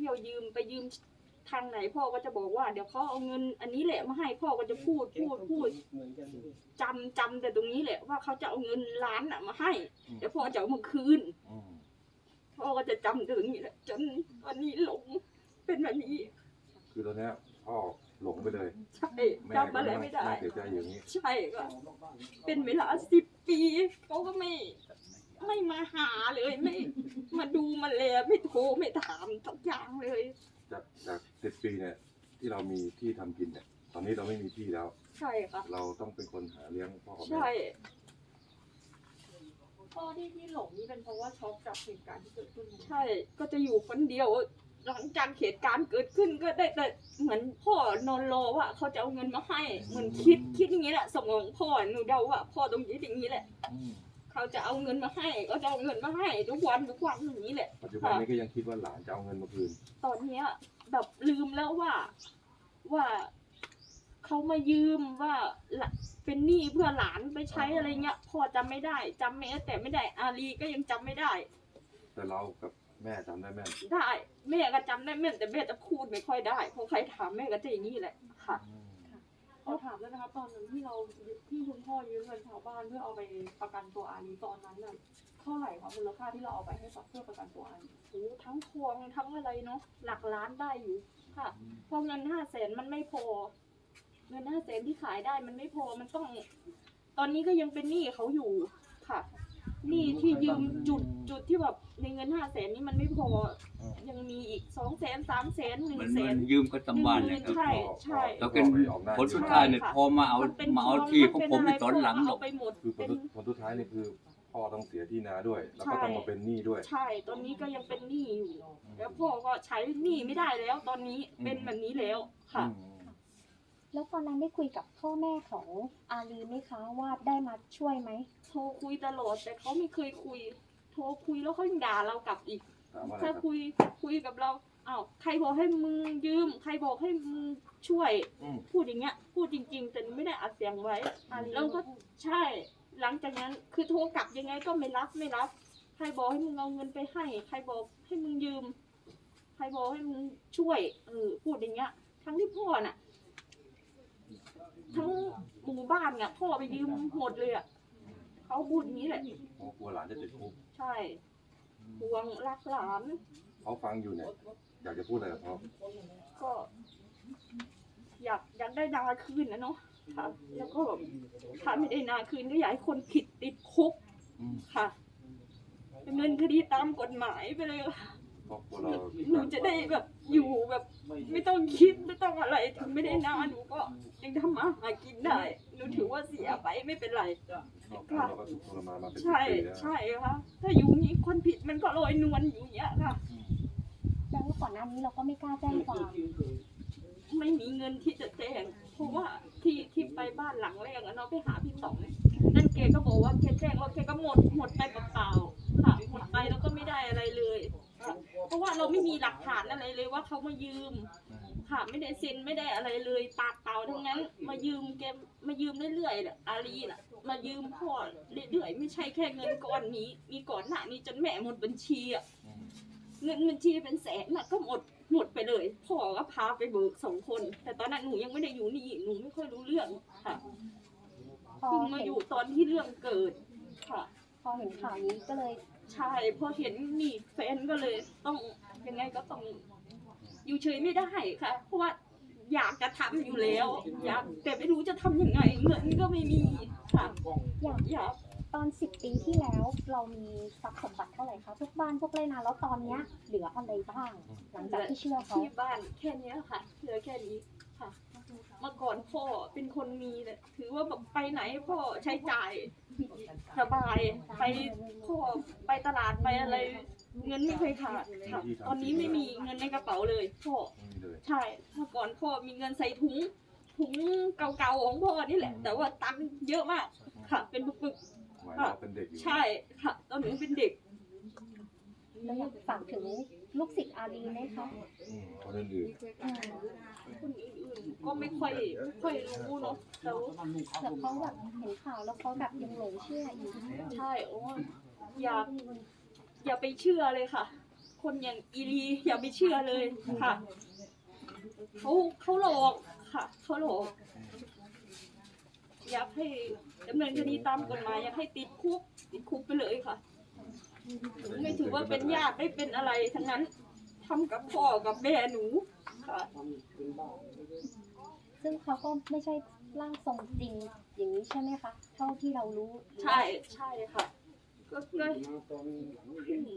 ที่ยวยืมไปยืมทางไหนพ่อก็จะบอกว่าเดี๋ยวเขาเอาเงินอันนี้แหละมาให้พ่อก็จะพูดจำแต่ตรงนี้แหละว่าเขาจะเอาเงินล้านมาให้เดี๋ยวพ่อจะเอามาคืนพ่อก็จะจำถึงนี่แหละจนวันนี้หลงเป็นแบบนี้คือตอนนี้พ่อหลงไปเลยใช่จำอะไรไม่ได้เสียใจอย่างนี้ใช่ก็เป็นเวลา10 ปีเขาก็ไม่มาหาเลยไม่มาดูมาแลไม่โทรไม่ถามทุกอย่างเลยจาก10 ปีเนี่ยที่เรามีที่ทำกินเนี่ยตอนนี้เราไม่มีที่แล้วใช่ค่ะเราต้องเป็นคนหาเลี้ยงพ่อกับแม่ใช่พ่อที่หลงนี่เป็นเพราะว่าช็อกจากเหตุการณ์ที่เกิดขึ้นใช่ก็จะอยู่คนเดียวหลังจากเหตุการณ์เกิดขึ้นก็ได้แต่เหมือนพ่อนอนรอว่าเขาจะเอาเงินมาให้เหมือนคิดอย่างนี้แหละสมองพ่อหนูเดาว่าพ่อตรงนี้อย่างนี้แหละเขาจะเอาเงินมาให้ก็จะเอาเงินมาให้ทุกวันอย่างนี้แหละปัจจุบันนี้ก็ยังคิดว่าหลานจะเอาเงินมาคืนตอนนี้แบบลืมแล้วว่าเขามายืมว่าเป็นหนี้เพื่อหลานไปใช้อะไรเงี้ยพ่อจำไม่ได้จำแม้แต่ไม่ได้อาลีก็ยังจำไม่ได้แต่เรากับแม่จำได้แม่นได้แม่ก็จำได้แม่นแต่แม่จะพูดไม่ค่อยได้เพราะใครถามแม่ก็จะอย่างนี้แหละค่ะเขาถามแล้วนะคะตอนนั้นที่คุณพ่อยืมเงินชาวบ้านเพื่อเอาไปประกันตัวอาลีตอนนั้นน่ะเท่าไหร่คะมูลค่าที่เราเอาไปให้เพื่อประกันตัวอาลีโอ้ทั้งพวงทั้งอะไรเนาะหลักล้านได้อยู่ค่ะเพราะเงิน500,000มันไม่พอเงิน500,000ที่ขายได้มันไม่พอมันต้องตอนนี้ก็ยังเป็นหนี้เขาอยู่ค่ะหนี้ที่ยืมจุดที่แบบในเงิน500,000นี้มันไม่พอยังมีอีก200,000 300,000 100,000 ยืมก็ต้องบ้านเลยใช่แล้วเป็นผลสุดท้ายเนี่ยพอมาเอาที่ของผมในตอนหลังหรอกคือผลสุดท้ายนี่คือพ่อต้องเสียที่นาด้วยแล้วก็ต้องมาเป็นหนี้ด้วยใช่ตอนนี้ก็ยังเป็นหนี้อยู่แล้วพ่อก็ใช้หนี้ไม่ได้แล้วตอนนี้เป็นแบบนี้แล้วค่ะแล้วตอนนั้นได้คุยกับพ่อแม่ของอาลีไหมคะว่าได้มาช่วยไหมโทรคุยตลอดแต่เขาไม่เคยคุยโทรคุยแล้วเขายังด่าเรากลับอีกถ้าคุยกับเราอ้าวใครบอกให้มึงยืมใครบอกให้มึงช่วยพูดอย่างเงี้ยพูดจริงๆแต่ไม่ได้อัดเสียงไว้แล้วก็ใช่หลังจากนั้นคือโทรกลับยังไงก็ไม่รับใครบอกให้มึงเอาเงินไปให้ใครบอกให้มึงยืมใครบอกให้มึงช่วยพูดอย่างเงี้ยทั้งที่พ่อน่ะทั้งหมู่บ้านเนี่ยพ่อไปยืมหมดเลยเขาพูดอย่างนี้แหละกลัวหลานจะติดคุกใช่ห่วงรักหลานเขาฟังอยู่เนี่ยอยากจะพูดอะไรกับเขาก็อยากได้นาคืนนะเนาะค่ะแล้วก็ถ้าไม่ได้นาคืนก็อยากให้คนผิดติดคุกค่ะดำเนินคดีตามกฎหมายไปเลยหนูจะได้แบบอยู่แบบไม่ต้องคิดไม่ต้องอะไรถึงไม่ได้นาหนูก็ยังทำมาหากินได้หนูถือว่าเสียไปไม่เป็นไรค่ะใช่ค่ะถ้าอยู่นี้คนผิดมันก็ลอยนวลอยู่อย่างเงี้ยค่ะแล้วก่อนหน้านี้เราก็ไม่กล้าแจ้งความไม่มีเงินที่จะแจ้งเพราะว่าที่ไปบ้านหลังแรกเนาะไปหาพี่ต่องนั่นแกก็บอกว่าแกแจ้งว่าแกก็หมดไปเปล่าๆค่ะหมดไปแล้วก็ไม่ได้อะไรเลยเพราะว่าเราไม่มีหลักฐานอะไรเลยว่าเขามายืมค่ะไม่ได้เซ็นไม่ได้อะไรเลยปากเปล่าทั้งนั้นมายืมแกมายืมเรื่อยๆอาลีน่ะมายืมพ่อเรื่อยๆไม่ใช่แค่เงินก้อนนี้มีก่อนหน้านี้จนแม่หมดบัญชีเงินบัญชีเป็นแสนน่ะก็หมดไปเลยพ่อก็พาไปเบิก2 คนแต่ตอนนั้นหนูยังไม่ได้อยู่นี่หนูไม่ค่อยรู้เรื่องค่ะเพิ่งมาอยู่ตอนที่เรื่องเกิดค่ะพอเห็นข่าวนี้ก็เลยใช่พอเห็นนี่แฟนก็เลยต้องยังไงก็ต้องอยู่เฉยไม่ได้ค่ะเพราะว่าอยากจะทำอยู่แล้วอยากแต่ไม่รู้จะทำยังไงเงินก็ไม่มีค่ะอยากตอน10 ปีที่แล้วเรามีทรัพย์สมบัติเท่าไหร่คะพวกบ้านพวกไรนาแล้วตอนนี้เหลืออะไรบ้างหลังจากที่เชื่อเขาที่บ้านแค่นี้ค่ะเหลือแค่นี้ค่ะเมื่อก่อนพ่อเป็นคนมีเลยถือว่าแบบไปไหนพ่อใช้จ่ายสบายไปพ่อไปตลาดไปอะไรเงินไม่เคยขาดค่ะตอนนี้ไม่มีเงินในกระเป๋าเลยพ่อใช่เมื่อก่อนพ่อมีเงินใส่ถุงเก่าๆของพ่อนี่แหละแต่ว่าตังค์เยอะมากค่ะเป็นปึกใช่ค่ะตอนหนูเป็นเด็กแล้วอยากฝากถึงลูกศิษย์อาลีไหมคะคนอื่นก็ไม่ค่อยรู้เนาะแล้วเขาแบบเห็นข่าวแล้วเขาแบบยังหลงเชื่ออยู่ใช่โอ้อย่าไปเชื่อเลยค่ะคนอย่างอีลีอย่าไปเชื่อเลยค่ะเขาหลอกค่ะเขาหลอกอยากให้ดำเนินคดีตามกฎหมายอยากให้ติดคุกไปเลยค่ะไม่ถือว่าเป็นญาติไม่เป็นอะไรทั้งนั้นทำกับพ่อกับแม่หนูค่ะซึ่งเขาก็ไม่ใช่ร่างทรงจริงอย่างนี้ใช่ไหมคะเท่าที่เรารู้ใช่ค่ะก็